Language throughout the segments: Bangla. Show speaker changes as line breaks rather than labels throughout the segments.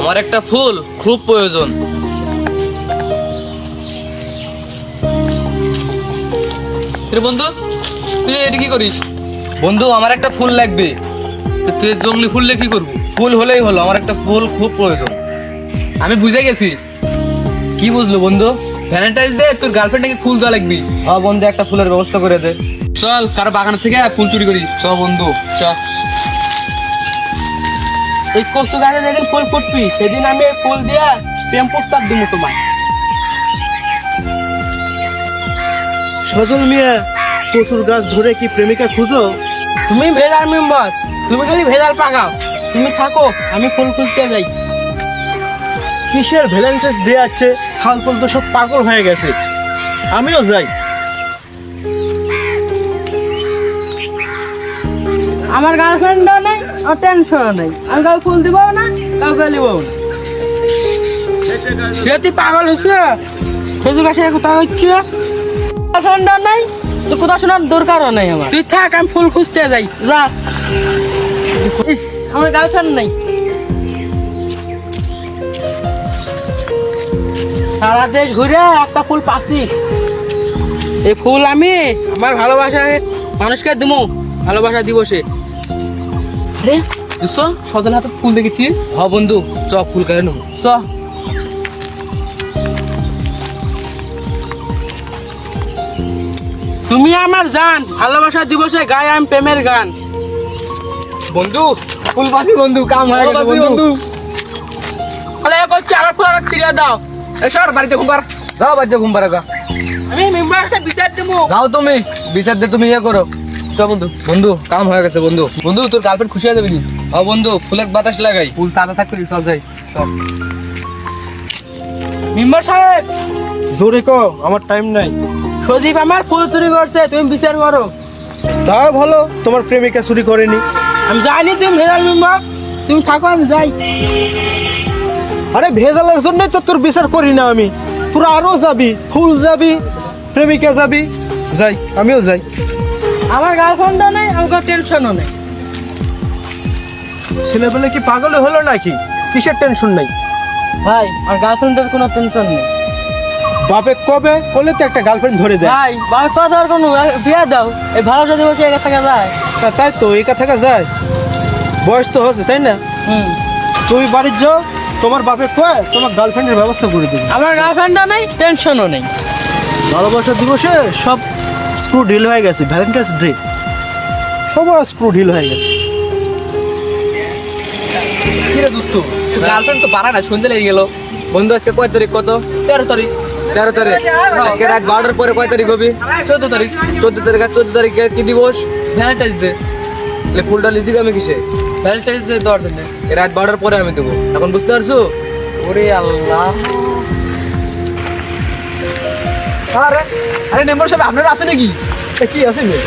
আমার একটা ফুল খুব প্রয়োজন। বন্ধু তুই এটা কি করিস? বন্ধু আমার একটা ফুল লাগবে। তুই জঙ্গলি ফুল কি করবো? ফুল হলেই হলো, আমার একটা ফুল খুব প্রয়োজন। আমি বুঝে গেছি। কি বুঝলো বন্ধু? ভ্যালেন্টাইন্স ডে তোর গার্লফ্রেন্ডকে ফুল দেওয়া লাগবি। হ্যাঁ বন্ধু, একটা ফুলের ব্যবস্থা করে দে। চল কারো বাগান থেকে ফুল চুরি করি। চল বন্ধু চল।
এই কচু গাছে যেদিন ফুল ফুটবি সেদিন আমি এই ফুল দিয়া প্রেম প্রস্তাব দিব তোমার।
সজল মিয়া, কচুর গাছ ধরে কি প্রেমিকা খুঁজো?
তুমি ভেজাল মেম্বার, তুমি খালি ভেজাল পাকাও। তুমি থাকো, আমি ফুল খুঁজতে যাই।
কিসের ভ্যালেন্টাইন্স ডে আছে? সালপল তো সব পাগল হয়ে গেছে, আমিও যাই।
আমার গার্লফ্রেন্ডও নেই আর টেনশনও নেই, আমি কাউকে ফুল দিব না, কাউকে নিব না। তুই পাগল হয়েছে? খেজুর গাছে কোথাও হচ্ছে গার্লফ্রেন্ডও নেই, তো কোথাও শোনার দরকারও নেই আমার। তুই থাক, আমি ফুল খুঁজতে যাই। যা। ইস, আমার গার্লফ্রেন্ড নেই। সারা দেশ ঘুরে একটা ফুল পাচ্ছি। এই ফুল আমি আমার ভালোবাসায় মানুষকে দিব, ভালোবাসা দিবসে। আরে দোস্ত, সজল হাতে ফুল দেখেছি।
হ্যাঁ বন্ধু চ ফুল কেন নেবো।
চ। তুমি আমার জান, ভালোবাসা দিবসে গাই আমি প্রেমের গান।
বন্ধু ফুল পাতি বন্ধু, কাম হয়ে গেছে বন্ধু।
তাহলে এ করছি, আমার ফুল আমাকে ফিরিয়ে দাও।
এসর বাড়িতে ঘুমবার যাও, বাড়িতে ঘুমবার গা।
আমি মেম্বার সাথে বিচার দেবো।
যাও তুমি বিচার দিয়ে তুমি ইয়ে করো। চ বন্ধু, বন্ধু কাম হয়ে গেছে বন্ধু। বন্ধু তোর গার্লফ্রেন্ড খুশি হয়ে যাবে নি? হ্যাঁ বন্ধু, ফুলের বাতাস লাগাই, ফুল তাজা থাকবে। চল যাই চল।
মেম্বার সাহেব,
জোরে কো, আমার টাইম নাই।
সজীব আমার ফুল চুরি করছে, তুমি বিচার করো।
তা ভালো, তোমার প্রেমিকা চুরি করেনি।
আমি জানি তুমি ভেজাল মেম্বার, তুমি থাকো, আমি যাই।
আরে ভেজালের জন্যই তো তোর বিচার করি না আমি। তোরা আরো যাবি, ফুল যাবি, প্রেমিকা যাবি। যাই, আমিও যাই।
আমার গার্লফ্রেন্ডও নেই, আমার টেনশনও নেই।
ছেলেবেলে কি পাগল হলো নাকি? কিসের টেনশন নাই?
ভাই আমার গার্লফ্রেন্ডের কোনো টেনশন নেই।
বাপে কবে বলে তো একটা গার্লফ্রেন্ড ধরে দেয়।
ভাই বাবা কথা আর কোনো বিয়ে দাও, এই ভালোবাসা দিবসে একা থাকা যায়।
তাই তো, একা থাকা যায়? বয়স তো হচ্ছে, তাই না? তুমি বাড়ির যাও, তোমার বাপে কয় তোমার গার্লফ্রেন্ডের ব্যবস্থা করে দেবে।
আমার গার্লফ্রেন্ডও নেই, টেনশনও নেই।
ভালোবাসা দিবসে সব স্ক্রু ঢিল হয়ে গেছে। ভ্যালেন্টাইন্স ডে সবার স্ক্রু ঢিল হয়ে গেছে।
কিরে দোস্ত, গার্লফ্রেন্ড তো পারা না, শুনতে লেগে গেল। বন্ধু আজকে কয় তারিখ? কত? 13 তারিখ। 13 তারিখ আজকে রাত 12টার পরে কয় তারিখ হবে? 14 তারিখ। 14 তারিখ আর 14 তারিখে কি দিবস? Valentine's Day. তাহলে ফুলটা লিখি আমি কিসে? ভ্যালেন্টাইন্স ডে দেওয়ার জন্য। রাত 12টার পরে আমি দেবো, এখন বুঝতে পারছো? ওরে আল্লাহ। আরে আরে মেম্বার সাহেব, আপনারা আছে নাকি?
কি আছে মেয়ে?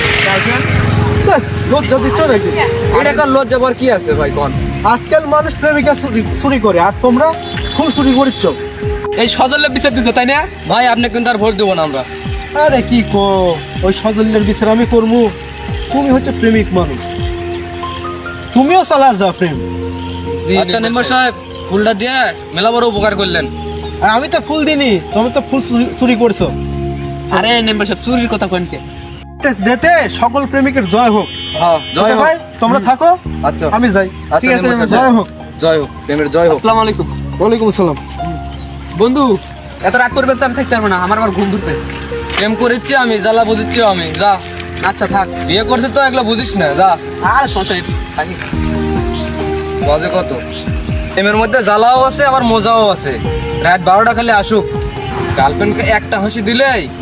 লজ্জা দিচ্ছ নাকি?
এটা কোন লজ্জা পাওয়ার কি আছে ভাই? কোন
আজকাল মানুষ প্রেমিকা চুরি করে, আর তোমরা ফুল চুরি করিচ্ছ।
এই সজলের বিচার দিচ্ছে তাই না ভাই? আপনি কিন্তু আর ভোট দেবো না আমরা।
আরে কি কো, ওই সজলের বিচার আমি করবো? তুমি হচ্ছে প্রেমিক মানুষ, তুমিও চালা যাও প্রেম।
আচ্ছা মেম্বার সাহেব, ফুলটা দিয়ে মেলা বড় উপকার করলেন।
আর আমি তো ফুল দিনি, তুমি তো ফুল চুরি করছো।
আরে মেম্বার সাহেব, চুরির কথা কোনকে?
ডেতে সকল প্রেমিকের জয় হোক।
হ্যাঁ জয় হোক।
ভাই তোমরা থাকো,
আচ্ছা
আমি যাই।
ঠিক আছে,
জয় হোক।
জয় হোক, প্রেমের জয় হোক। আসসালামু আলাইকুম।
ওয়ালাইকুম আসসালাম।
বন্ধু এত রাত করবে তো আমি থাকতে পারবো না, আমার আবার ঘুম ধরছে। প্রেম করেছি আমি, জ্বালা বুঝিচ্ছি আমি। যা। আচ্ছা থাক, বিয়ে করছে তো এগুলো বুঝিস না। যা। আর সমস্যা নেই, থাকি। বাজে কত? প্রেমের মধ্যে জ্বালাও আছে আবার মজাও আছে। রাত 12টা খালি আসুক, গার্লফ্রেন্ডকে একটা হাসি দিলেই